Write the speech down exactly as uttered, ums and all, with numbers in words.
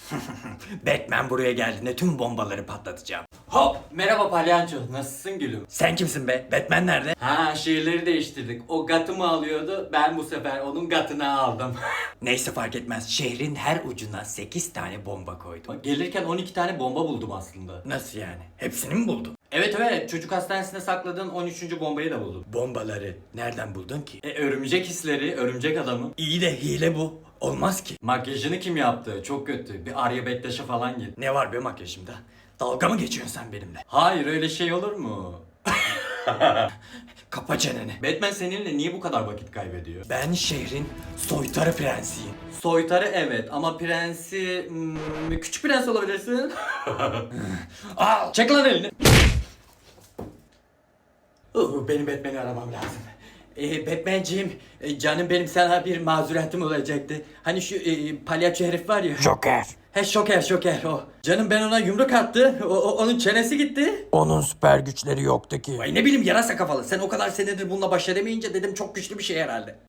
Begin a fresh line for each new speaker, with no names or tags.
Batman buraya geldiğinde tüm bombaları patlatacağım.
Hop! Merhaba palyaço. Nasılsın gülüm?
Sen kimsin be? Batman nerede?
Ha şiirleri değiştirdik. O gatımı alıyordu. Ben bu sefer onun gatını aldım.
Neyse fark etmez. Şehrin her ucuna sekiz tane bomba koydum.
Bak, gelirken on iki tane bomba buldum aslında.
Nasıl yani? Hepsini mi buldun?
Evet evet, çocuk hastanesinde sakladığın on üçüncü bombayı da buldum.
Bombaları nereden buldun ki?
E, örümcek hisleri, örümcek adamı.
İyi de hile bu. Olmaz ki.
Makyajını kim yaptı? Çok kötü. Bir Arya Bektaş'a falan git.
Ne var be makyajımda? Dalga mı geçiyorsun sen benimle?
Hayır, öyle şey olur mu?
Kapa çeneni.
Batman seninle niye bu kadar vakit kaybediyor?
Ben şehrin soytarı prensiyim.
Soytarı evet ama prensi... Hmm, küçük prens olabilirsin.
Al!
Çek lan elini. Uh, benim Batman'i aramam lazım. Ee, Batman'ciğim, e, canım benim sana bir mazuretim olacaktı. Hani şu e, palyaço herif var ya.
Joker.
He şoker şoker o. Canım ben ona yumruk attı. O, o- onun çenesi gitti.
Onun süper güçleri yoktu ki.
Ay ne bileyim yarasa kafalı. Sen o kadar senedir bununla baş edemeyince dedim çok güçlü bir şey herhalde.